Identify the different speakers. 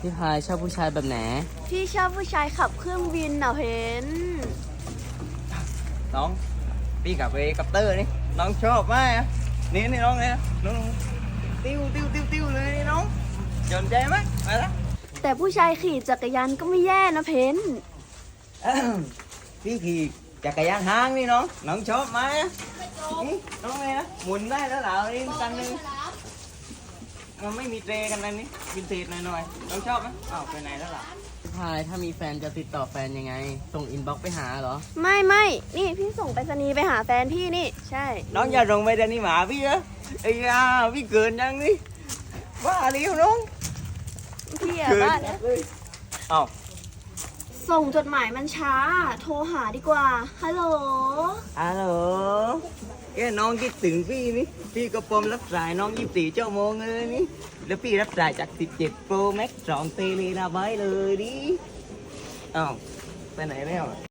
Speaker 1: พี่พายชอบผู้ชายแบบไหน
Speaker 2: พี่ชอบผู้ชายขับเครื่องบินเพน
Speaker 3: น้องพี่กับเฮลิคอปเตอร์นี่น้องชอบไหมอ่ะนี่น้องเนี่ยน้องติ้วเลยนี่น้องสนใจไหมมาละ
Speaker 2: แต่ผู้ชายขี่จักรยานก็ไม่แย่นะเพน
Speaker 3: พี่ขี่จักรยานห้างนี่น้องชอบไหมอ่ะนี่น้องเลยนะหมุนได้แล้วเหรอนี่คันนึงมันไม่มีเตรกันนะนี่วินเทจหน่อยน้องชอบไหมอ้าวไปไหนแล้วล่ะ
Speaker 1: พี่พายถ้ามีแฟนจะติดต่อแฟนยังไง ส่งอินบ็อกซ์ไปหาเหรอ
Speaker 2: ไม่นี่พี่ส่งไปรษณีย์ไปหาแฟนพี่นี่ใช่
Speaker 3: น้องอย่าลงไปเดี๋ยวนี้หมาพี่อะไอ้ยาพี่เกินยังนี่บ้าเลี้ยวน้อง
Speaker 2: พี่อะ
Speaker 3: เกิน
Speaker 2: บ้านะ
Speaker 3: อ้าว
Speaker 2: ส่งจดหมายมันช้า โทรหาดีกว่าฮัลโหล
Speaker 3: ฮัลโหลน้องคิดถึงพี่นี่พี่ก็ปมรับสายน้อง24 ชั่วโมงเลยนี่แล้วพี่รับสายจาก17 Pro Max 2 เทเลราไบต์เลยดิอ้าวไปไหนแล้ว